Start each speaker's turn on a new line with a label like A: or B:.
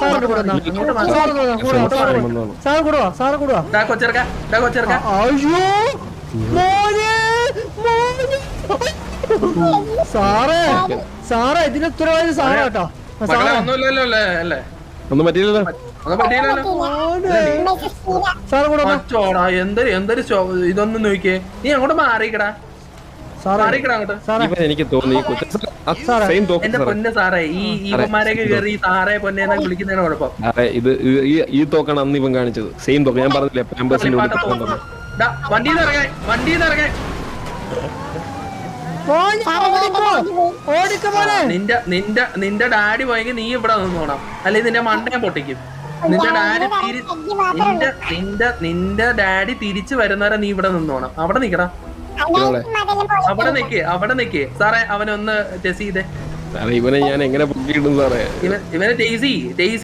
A: സാറേ സാറേ ഇതിന് ഉത്തരവാദി സാറാ കേട്ടോ.
B: ഒന്നും പറ്റിയില്ലല്ലോ.
C: എന്തൊരു ഇതൊന്നും നോക്കിയേ. നീ അങ്ങോട്ട് മാറിക്കടാ,
B: എനിക്ക് തോന്നി
C: എന്റെ പൊന്നെ സാറേ. ഈവന്മാരെയൊക്കെ കയറി സാറേ പൊന്നെ വിളിക്കുന്നതിന് കുഴപ്പം.
B: ഈ തോക്കാണ് അന്ന് ഇവൻ കാണിച്ചത്. സെയിം തോക്ക് ഞാൻ പറഞ്ഞില്ലേ.
C: വണ്ടിന്ന് ഇറങ്ങാൻ, വണ്ടിന്ന് ഇറങ്ങാൻ. നിന്റെ ഡാഡി പോയെങ്കിൽ നീ ഇവിടെ നിന്നോണം, അല്ലെങ്കിൽ നിന്റെ മണ്ടയെ പൊട്ടിക്കും. നിന്റെ ഡാഡി തിരിച്ചു വരുന്നവരെ നീ ഇവിടെ നിന്നോണം. അവിടെ നിക്കടാ, അവിടെ നിക്കേ സാറേ. അവനൊന്ന് ടെസ്റ്റ് ചെയ്തേ.
B: ഇവനെ ഞാൻ എങ്ങനെ പൊക്കിയിടും സാറേ?
C: ഇവനെ ടേസി